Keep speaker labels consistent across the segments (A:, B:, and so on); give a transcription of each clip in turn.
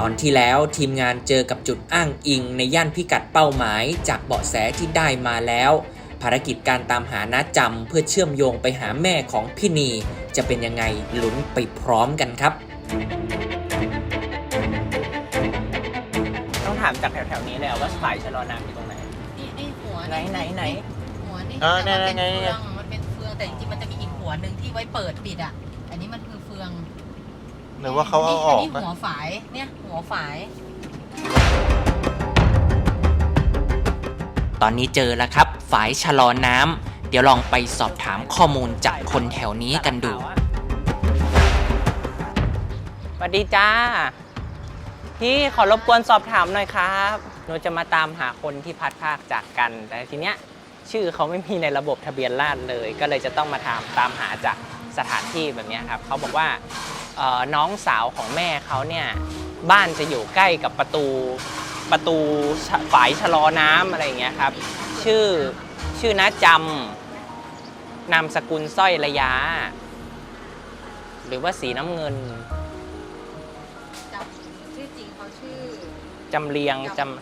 A: ตอนที่แล้วทีมงานเจอกับจุดอ้างอิงในย่านพิกัดเป้าหมายจากเบาะแสที่ได้มาแล้วภารกิจการตามหาน้าจำเพื่อเชื่อมโยงไปหาแม่ของพี่นีจะเป็นยังไงลุ้นไปพร้อมกันครับ
B: ต้องถามจากแถวๆนี้เลยว่าฝ่ายชะลอน้ำอยู่ตรงไหน
C: นี่ไอ้หัว
B: ไหน
C: หัวนี่
B: แต่
C: มันเป็นเฟืองแต่จริงๆมันจะมีอีกหัวหนึ่งที่ไว้เปิดปิดอ่ะอันนี้มันคือเฟือง
D: หรือว่าเขาเอาออก
C: นี่หัวฝายเนี่ยหัวฝาย
A: ตอนนี้เจอแล้วครับฝายชะลอน้ำเดี๋ยวลองไปสอบถามข้อมูลจากคนแถวนี้กันดู
B: สวัสดีจ้าพี่ขอรบกวนสอบถามหน่อยครับหนูจะมาตามหาคนที่พัดภาคจากกันแต่ทีเนี้ยชื่อเขาไม่มีในระบบทะเบียนราษฎร์เลยก็เลยจะต้องมาตามหาจากสถานที่แบบนี้ครับเขาบอกว่าน้องสาวของแม่เขาเนี่ยบ้านจะอยู่ใกล้กับประตูฝายชะลอน้ำอะไรอย่างเงี้ยครับชื่อน้าจำนามสกุลสร้อยระยะหรือว่าสีน้ำเงิน
C: ชื่อจริงเขาชื่อ
B: จำเนียง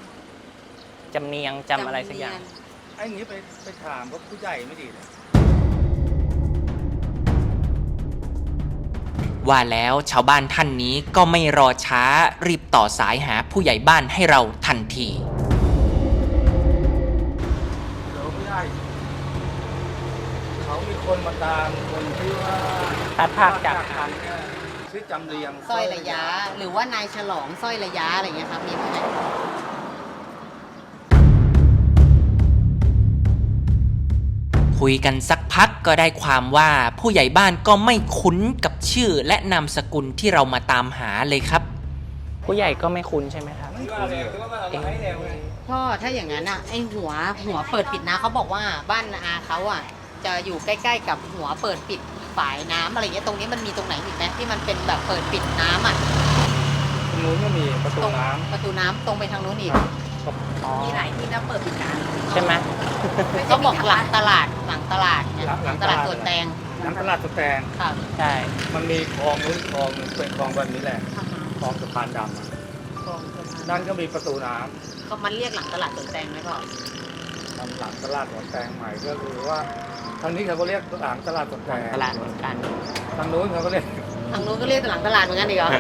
B: จำอะไรสักอย่าง
E: ไอ้นี้ไปถามว่าผู้ใหญ่ไม่ดีเลย
A: ว่าแล้วชาวบ้านท่านนี้ก็ไม่รอช้ารีบต่อสายหาผู้ใหญ่บ้านให้เราทันที
E: เดี๋ยวผู้ใหญ่เขามีคนมาตามคนที่ว่า
B: พัดภาคจาก
E: กันชื่อจำเรียง
C: สร้อยระยะหรือว่านายฉลองสร้อยระยะอะไรเงี้ยครับมีไหม
A: คุยกันสักพักก็ได้ความว่าผู้ใหญ่บ้านก็ไม่คุ้นกับชื่อและนามสกุลที่เรามาตามหาเลยครับ
B: ผู้ใหญ่ก็ไม่คุ้นใช่ไหมครับ
C: พ่อถ้าอย่างนั้นอ่ะไอหัวเปิดปิดนะเขาบอกว่าบ้านอาเขาอ่ะจะอยู่ใกล้ๆกับหัวเปิดปิดฝายน้ำอะไรเงี้ยตรงนี้มันมีตรงไหนอีกไหมที่มันเป็นแบบเปิดปิดน้ำอ่ะ
E: ตรงนู้นก็มีประตู
C: น้ำตรงไปทางนู้นอีกมีหลายที่นะเปิดปิดน้
B: ำใช่ไหม
C: เขาบอกหลังตลาดหลังตลาดสวนแตง
E: หลังตลาดสวนแตง
C: ค่ะ
B: ใช่
E: มันมีคลองนู้นคลองนึงเป็นคลองแบบนี้แหละคลองสะพานดำนั่นก็มีประตูน้
C: ำเขามันเรียกหลังตลาดสวนแตงไหมพ่อ
E: หลังตลาดสวนแตงใหม่ก็คือว่าทางนี้เขาก็เรียกหลังตลาดสวนแตง
B: ตลาดเหมือนกัน
E: ทางนู้นเขาก็เรียก
C: หลังตลาดเหมือนกันอีกเหรอ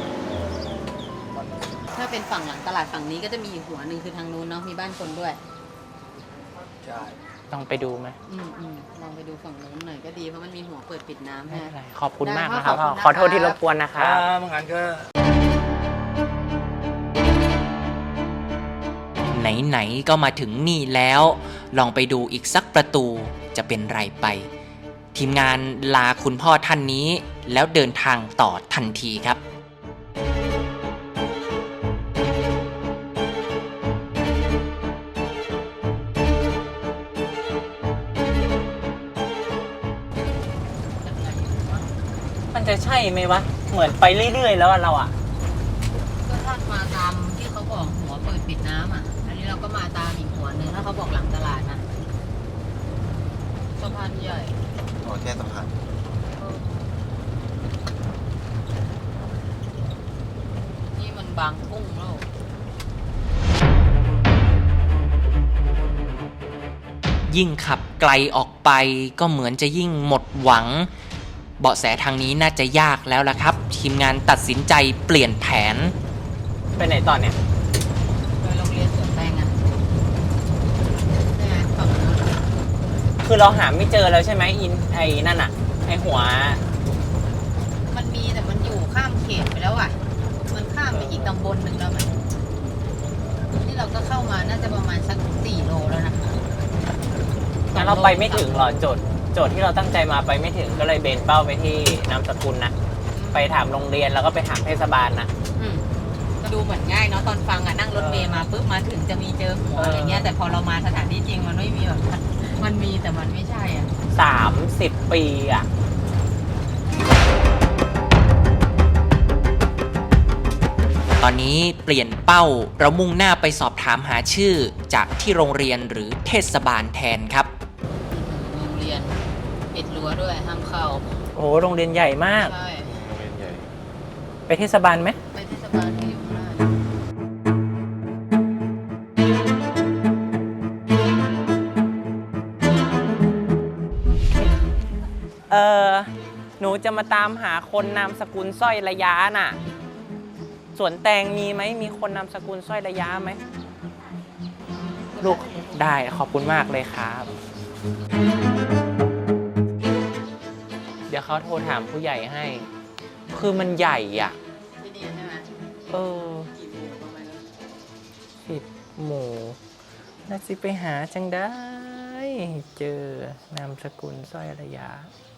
C: ถ้าเป็นฝั่งหลังตลาดฝั่งนี้ก็จะมีอีกหัวหนึ่งคือทางนู้นเนาะมีบ้านคนด้วย
E: ใช่
B: ต้องไปดูไหม
C: ลองไปดูฝั่งนู้นหน่อยก็ดีเพราะมันมีหัวเปิดปิดน้ำ
B: ไม่เป็นไรขอบคุณมากนะครับขอโทษที่รบกวนนะครับ
E: งั้นก็
A: ไหนๆก็มาถึงนี่แล้วลองไปดูอีกสักประตูจะเป็นไรไปทีมงานลาคุณพ่อท่านนี้แล้วเดินทางต่อทันทีครับ
B: มันจะใช่ไหมวะเหมือนไปเรื่อยๆแล้วเราอ่ะ
C: ก็ถ้ามาตามที่เขาบอกหัวเปิดปิดน้ำอ่ะอันนี้เราก็มาตามอีกหัวหนึ่งถ้าเขาบอกหลังตลาดนะสะพานใหญ่
D: แค่สะพาน
C: นี่มันบางกุ้งแล้ว
A: ยิ่งขับไกลออกไปก็เหมือนจะยิ่งหมดหวังเบาะแสทางนี้น่าจะยากแล้วล่ะครับทีมงานตัดสินใจเปลี่ยนแผน
B: ไปไหนต่อเนี่ย
C: ไปโรงเรียนสวนแตงอ่ะ
B: คือเราหาไม่เจอแล้วใช่ไหมไอ้นั่นอ่ะไอ้หัว
C: มันมีแต่มันอยู่ข้ามเขตไปแล้วอ่ะมันข้ามไปอีกตำบลหนึ่งแล้วมันที่เราก็เข้ามาน่าจะประมาณสัก4 โลแล้วนะ
B: งั้นเราไปไม่ถึงหรอโจทย์ที่เราตั้งใจมาไปไม่ถึงก็เลยเบนเป้าไปที่นามสกุลนะไปถามโรงเรียนแล้วก็ไปถามเทศบาลนะ
C: ก็ดูเหมือนง่ายเนาะตอนฟังนั่งรถเมล์มาปุ๊บมาถึงจะมีเจอหัวอะไรเงี้ยแต่พอเรามาสถานที่จริงมันไม่มีแบบมันมีแต่มันไม่ใช่อ่ะ
B: 30 ปีอ่ะ
A: ตอนนี้เปลี่ยนเป้าเรามุ่งหน้าไปสอบถามหาชื่อจากที่โรงเรียนหรือเทศบาลแทนครับ
C: โรงเรียนปิดรั้วด้วยห้ามเข้า
B: โอ้โรงเรียนใหญ่มาก
C: ใช่
D: โรงเรียนใหญ่
B: ไปเทศบาลไหม
C: ไปเทศบาลที่อยู่ข้างหน้า
B: หนูจะมาตามหาคนนามสกุลสร้อยระยะน่ะสวนแตงมีไหมมีคนนามสกุลสร้อยระยะไหมลูกได้ขอบคุณมากเลยครับ เดี๋ยวเขาโทรถามผู้ใหญ่ให้ คือมันใหญ่อ่ะ
C: ที่นี่ใช่ไหม
B: กี่หมู่ประมาณ10 หมู่น่าสิไปหาจังได้ เจอนามสกุลสร้อยระยะ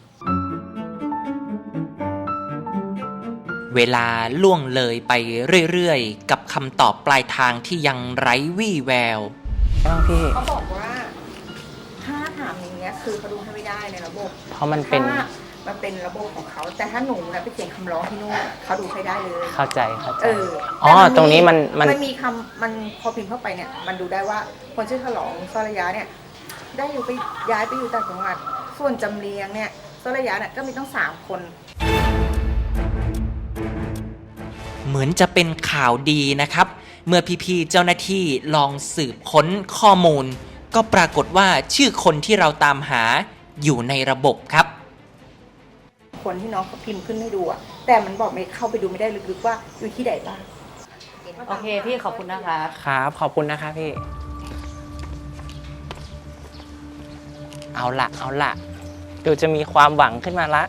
A: เวลาล่วงเลยไปเรื่อยๆกับคำตอบปลายทางที่ยังไร้วี่แวว
B: บ้างพี่
F: เขาบอกว่าถ้าถามอย่างเงี้ยคือเขาดูให้ไม่ได้ในระบบ
B: เพราะมันเป็น
F: ถ้ามันเป็นระบบของเขา แต่ถ้าหนูนะไปเขียนคำร้องที่นู่นเขาดูให้ได้เลย
B: เข้าใจ
F: แต่
B: ตรงนี้มัน
F: มันมีคำมันพอพิมพ์เข้าไปเนี่ยมันดูได้ว่าคนชื่อฉลองสระยะเนี่ยได้อยู่ไปย้ายไปอยู่ต่างจังหวัดส่วนจำเรียงเนี่ยสระยะเนี่ยก็มีต้อง3 คน
A: เหมือนจะเป็นข่าวดีนะครับ เมื่อพี่ๆเจ้าหน้าที่ลองสืบค้นข้อมูล ก็ปรากฏว่าชื่อคนที่เราตามหาอยู่ในระบบครับ
F: คนที่น้องเขาพิมพ์ขึ้นให้ดูอะแต่มันบอกไม่เข้าไปดูไม่ได้ลึกๆว่าอยู่ที่ไหนบ้าง
C: โอเคพี่ขอบคุณนะคะ
B: ครับ ขอบคุณนะคะพี่ เอาละเดี๋ยวจะมีความหวังขึ้นมาละ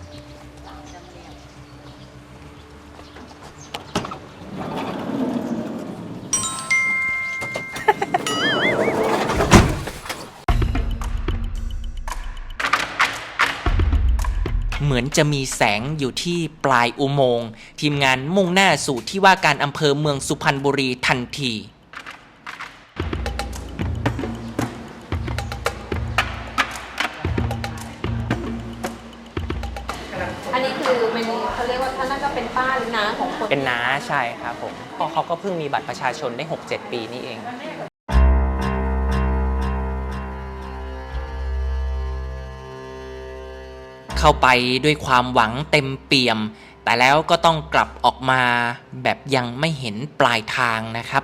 A: เหมือนจะมีแสงอยู่ที่ปลายอุโมงค์ทีมงานมุ่งหน้าสู่ที่ว่าการอำเภอเมืองสุพรรณบุรีทันที
C: อันนี้คือเป็นเขาเรียกว่าท่านน่าจะเป็นป้าหรือน้าของคน
B: เป็นน้าใช่ครับผมเพราะเขาก็เพิ่งมีบัตรประชาชนได้ 6-7 ปีนี่เอง
A: เข้าไปด้วยความหวังเต็มเปี่ยม แต่แล้วก็ต้องกลับออกมาแบบยังไม่เห็นปลายทางนะครับ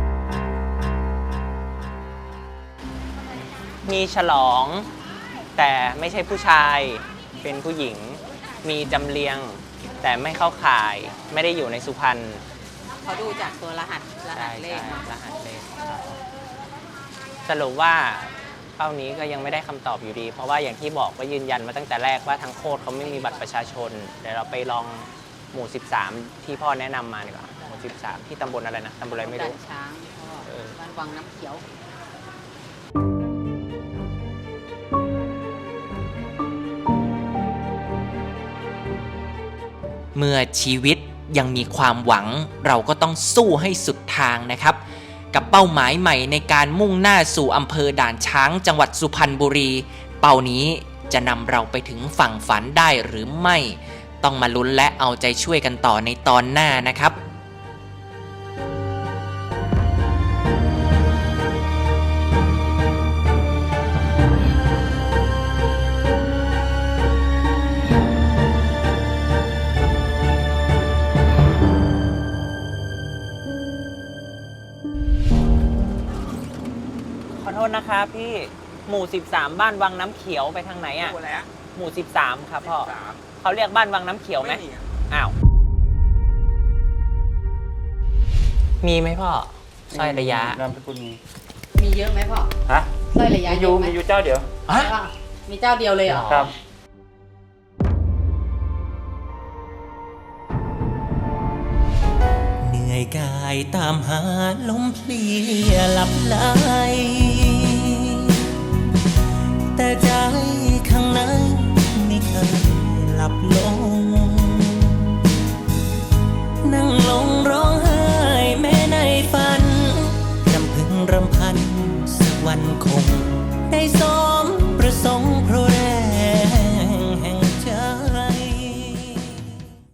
B: มีฉลอง แต่ไม่ใช่ผู้ชายเป็นผู้หญิง มีจำเรียง แต่ไม่เข้าข่ายไม่ได้อยู่ในสุพรรณ
C: เขาดูจากตัวรหัสเลข
B: รหัสเลขสรุปว่าเป้านี้ก็ยังไม่ได้คำตอบอยู่ดี เพราะว่าอย่างที่บอกว่ายืนยันมาตั้งแต่แรกว่าทางโคตรเขาไม่มีบัตรประชาชนเดี๋ยวเราไปลองหมู่ 13 ที่พ่อแนะนำมาดีกว่าหมู่ 13 ที่ตำบลอะไรนะตำบลอะไรไม่รู้
C: ด่านช้างบ้านวังน้ำเขียว
A: เมื่อชีวิตยังมีความหวังเราก็ต้องสู้ให้สุดทางนะครับ กับเป้าหมายใหม่ในการมุ่งหน้าสู่อำเภอด่านช้างจังหวัดสุพรรณบุรี เป้านี้จะนำเราไปถึงฝั่งฝันได้หรือไม่ ต้องมาลุ้นและเอาใจช่วยกันต่อในตอนหน้านะครับ
B: ขอโทษนะครับพี่หมู่ 13 บ้านวังน้ำเขียวไปทางไหนอ่ะหมู่ 13 ครับพ่อเขาเรียกบ้านวังน้ำเขียวไหมอ้าวมีไหมพ่อสร้อยระยะ
E: นามสกุลมี
C: มีเยอะไหมพ่อ
E: ฮะ
C: สร้อยระยะ
E: มี
C: เยอะไหม
E: อยู่เจ้าเดียว
A: ฮะ
C: ใช่ป่ะมีเจ้าเดียวเลยเหรอ
E: ครับ
A: เหนื่อยกายตามหาลมเพลียหลับไหล